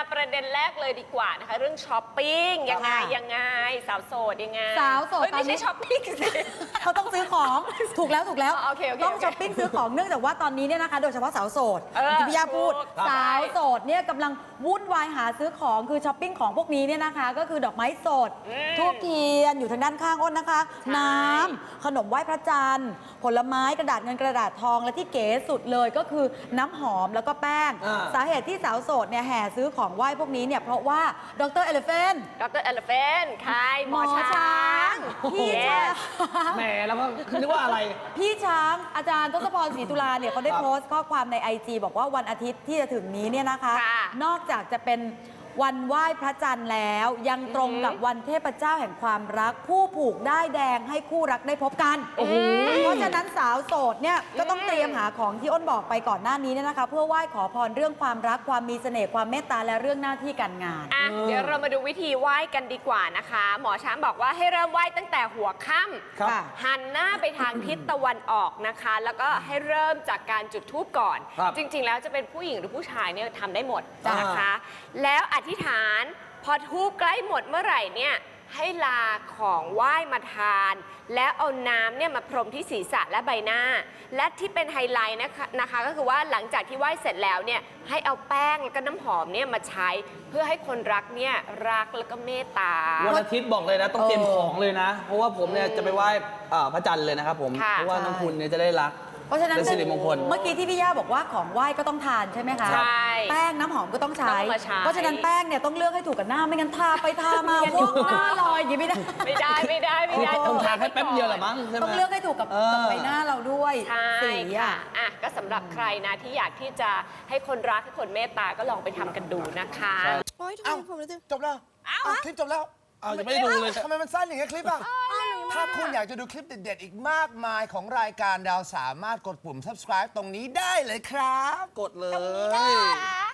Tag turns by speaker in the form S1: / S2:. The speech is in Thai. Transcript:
S1: ประเด็นแรกเลยดีกว่านะคะเรื่องช้อปปิ้งยังไงสาวโสดยังไง
S2: สาวโสด
S1: ไม่ใช่ช้อปปิ้งสิ
S2: เขาต้องซื้อของถูกแล้ว
S1: โอเค
S2: ต้องช้อปปิ้งซื้อของเนื่องจากว่าตอนนี้เนี่ยนะคะโดยเฉพาะสาวโสดที่พี่ย่าพูดสาวโสดเนี่ยกำลังวุ่นวายหาซื้อของคือช้อปปิ้งของพวกนี้เนี่ยนะคะก็คือดอกไม้สดทูบเทียนอยู่ทางด้านข้างอ้นนะคะน้ำขนมไหว้พระจันทร์ผลไม้กระดาษเงินกระดาษทองและที่เก๋สุดเลยก็คือน้ำหอมแล้วก็แป้งสาเหตุที่สาวโสดเนี่ยแห่ซื้อของไหว้พวกนี้เนี่ยเพราะว่าดรเอลเฟน
S1: ใครหมอช้าง
S2: พี่ช้าง
S3: แหมแล้วก็นึกว่าอะไร
S2: พี่ช้างอาจารย์ทศพรศรีตุลาเนี่ยเขาได้โพสต์ข้อความใน IG บอกว่าวันอาทิตย์ที่จะถึงนี้เนี่ยนะคะนอกจากจะเป็นวันไหว้พระจันทร์แล้วยังตรงกับวันเทพเจ้าแห่งความรักผู้ผูกด้ายแดงให้คู่รักได้พบกันเพราะฉะนั้นสาวโสดเนี่ยก็ต้องเตรียมหาของที่อ้นบอกไปก่อนหน้านี้เนี่ยนะคะเพื่อไหว้ขอพรเรื่องความรักความมีเสน่ห์ความเมตตาและเรื่องหน้าที่การงาน
S1: เดี๋ยวเรามาดูวิธีไหว้กันดีกว่านะคะหมอช้างบอกว่าให้เริ่มไหว้ตั้งแต่หัวค่ำหันหน้าไปทางทิศตะวันออกนะคะแล้วก็ให้เริ่มจากการจุดธูปก่อนจริงๆแล้วจะเป็นผู้หญิงหรือผู้ชายเนี่ยทำได้หมดนะคะแล้วอธิษฐานพอธูปใกล้หมดเมื่อไหร่เนี่ยให้ลาของไหว้มาทานแล้วเอาน้ำเนี่ยมาพรมที่ศีรษะและใบหน้าและที่เป็นไฮไลท์นะคะก็คือว่าหลังจากที่ไหว้เสร็จแล้วเนี่ยให้เอาแป้งแล้วก็น้ำหอมเนี่ยมาใช้เพื่อให้คนรักเนี่ยรักแล้วก็เมตตา
S3: วันอาทิตย์บอกเลยนะต้องเตรียมของเลยนะเพราะว่าผมเนี่ยจะไปไหว้พระจันทร์เลยนะครับผมเพราะว่าน้องคุณเนี่ยจะได้รัก
S2: เพราะฉะนั้น
S3: เป็นสิริมงคล
S2: เมื่อกี้ที่พี่ย่าบอกว่าของไหว้ก็ต้องทานใช่ไหมคะ
S1: ใช่
S2: แป้งน้ำหอมก็ต้องใช้เพราะฉะนั้นแป้งเนี่ยต้องเลือกให้ถูกกับหน้าไม่งั้นทาไปทามาพวกหน้าลอยอย่างนี้ไม่ได้
S3: ต้องทาแค่แป๊บเดียวแหละมั้งใช่ไหม
S2: ต้องเลือกให้ถูกกับใบหน้าเราด้วย
S1: สีก็สำหรับใครนะที่อยากที่จะให้คนรักให้คนเมตตาก็ลองไปทำกันดูนะคะ
S4: โอ๊ยทำไมผมรู้สึกจบแล้วคลิปจบแล้ว
S3: ยังไม่ได้ดูเลย
S4: ทำไมมันสั้นอย่างเงี้ยคลิปอ่ะถ้าคุณอยากจะดูคลิปเด็ดๆอีกมากมายของรายการดาวสามารถกดปุ่ม subscribe ตรงนี้ได้เลยครับ
S3: กดเลย